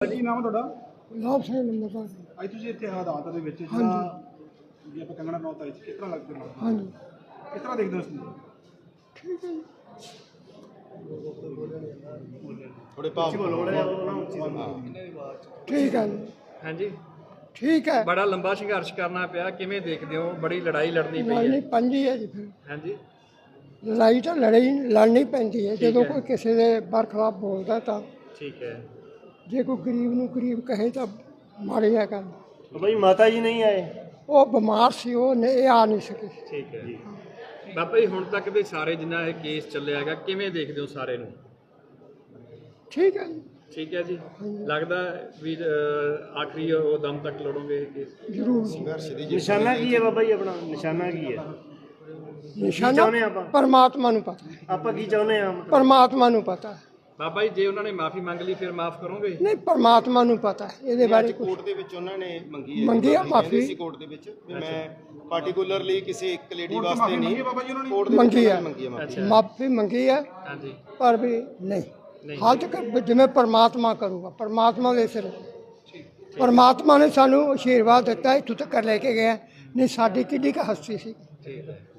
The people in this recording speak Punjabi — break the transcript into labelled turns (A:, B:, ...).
A: ਕੀ ਨਾਮ ਹੈ ਤੁਹਾਡਾ?
B: ਲਾਭ ਸਿੰਘ ਨੰਬਰ
A: ਅੱਜ ਤੁਸੀਂ ਇੱਥੇ ਅਦਾਲਤ ਦੇ ਵਿੱਚ ਜਿਹੜਾ ਜੇ ਆਪਾਂ ਕੰਗਣਾ ਰਣੌਤ ਆਈ ਸੀ, ਕਿਸ ਤਰ੍ਹਾਂ ਲੱਗਦੇ ਹੋ?
B: ਹਾਂਜੀ
A: ਕਿਸ ਤਰ੍ਹਾਂ ਦੇਖਦੇ ਹੋ ਇਸ ਨੂੰ?
B: ਠੀਕ ਹੈ ਜੀ।
A: ਥੋੜੇ ਭਾਵ
B: ਠੀਕ ਹੈ ਜੀ।
C: ਹਾਂਜੀ
B: ਠੀਕ ਹੈ।
C: ਬੜਾ ਲੰਬਾ ਸੰਘਰਸ਼ ਕਰਨਾ ਪਿਆ, ਕਿਵੇਂ ਦੇਖਦੇ ਹੋ? ਬੜੀ ਲੜਾਈ ਲੜਨੀ ਪਈ
B: ਲੜਨੀ
C: ਹੈ।
B: ਪੈਂਦੀ ਹੈ ਜੀ। ਫਿਰ
C: ਹਾਂਜੀ
B: ਲੜਾਈ ਤਾਂ ਲੜਨੀ ਪੈਂਦੀ ਹੈ ਜਦੋਂ ਕੋਈ ਕਿਸੇ ਦੇ ਬਰਖਲਾਫ ਬੋਲਦਾ ਤਾਂ।
C: ਠੀਕ ਹੈ।
B: ਜੇ ਕੋਈ ਗਰੀਬ ਨੂੰ ਗਰੀਬ ਕਹੇ ਤਾਂ ਮਾੜੀ ਹੈ ਗੱਲ।
D: ਭਾਈ ਮਾਤਾ ਜੀ ਨਹੀਂ ਆਏ,
B: ਉਹ ਬਿਮਾਰ ਸੀ, ਉਹ ਨਹੀਂ ਆ ਨਹੀਂ ਸਕੇ।
C: ਠੀਕ ਹੈ ਜੀ। ਬਾਬਾ ਜੀ ਹੁਣ ਤੱਕ ਵੀ ਸਾਰੇ ਜਿੰਨਾ ਇਹ ਕੇਸ ਚੱਲਿਆ ਹੈਗਾ, ਕਿਵੇਂ ਦੇਖਦੇ ਹੋ ਸਾਰੇ ਨੂੰ?
B: ਠੀਕ ਹੈ ਜੀ।
C: ਠੀਕ ਹੈ ਜੀ। ਲੱਗਦਾ ਵੀ ਆਖਰੀ ਉਹ ਦਮ ਤੱਕ ਲੜੋਗੇ ਇਹ ਕੇਸ?
B: ਜ਼ਰੂਰ।
D: ਨਿਸ਼ਾਨਾ ਕੀ ਹੈ ਬਾਬਾ ਜੀ ਆਪਣਾ? ਨਿਸ਼ਾਨਾ ਕੀ ਹੈ?
B: ਨਿਸ਼ਾਨਾ
D: ਚਾਹੁੰਦੇ ਆਪਾਂ?
B: ਪਰਮਾਤਮਾ ਨੂੰ ਪਤਾ ਹੈ।
D: ਆਪਾਂ ਕੀ ਚਾਹੁੰਦੇ ਆ?
B: ਪਰਮਾਤਮਾ ਨੂੰ ਪਤਾ ਹੈ।
C: ਬਾਬਾ ਜੀ ਜੇ ਉਹਨਾਂ ਨੇ ਮਾਫੀ ਮੰਗ ਲਈ ਫਿਰ ਮਾਫ ਕਰੋਗੇ?
B: ਨਹੀਂ, ਪਰਮਾਤਮਾ ਨੂੰ ਪਤਾ ਹੈ ਇਹਦੇ ਬਾਰੇ।
E: ਕੋਰਟ ਦੇ ਵਿੱਚ ਉਹਨਾਂ ਨੇ ਮੰਗੀ
B: ਆ ਮਾਫੀ
E: ਸੀ ਕੋਰਟ ਦੇ ਵਿੱਚ ਵੀ ਮੈਂ ਪਾਰਟਿਕੂਲਰਲੀ ਕਿਸੇ ਇੱਕ ਲੇਡੀ ਵਾਸਤੇ ਨਹੀਂ ਕੋਰਟ ਦੇ
B: ਮੰਗੀ ਹੈ।
C: ਅੱਛਾ।
B: ਮਾਫੀ ਮੰਗੀ ਹੈ
C: ਹਾਂਜੀ
B: ਪਰ ਵੀ ਨਹੀਂ ਹਾਲ ਤੱਕ ਜਿਵੇਂ ਪਰਮਾਤਮਾ ਕਰੂਗਾ, ਪਰਮਾਤਮਾ ਦੇ ਸਿਰ। ਪਰਮਾਤਮਾ ਨੇ ਸਾਨੂੰ ਆਸ਼ੀਰਵਾਦ ਦਿੱਤਾ, ਇੱਥੋਂ ਤੱਕ ਲੈ ਕੇ ਗਿਆ। ਨਹੀਂ ਸਾਡੀ ਕਿੱਡੀ ਕੁ ਹਸਤੀ ਸੀ।
C: ਠੀਕ ਹੈ।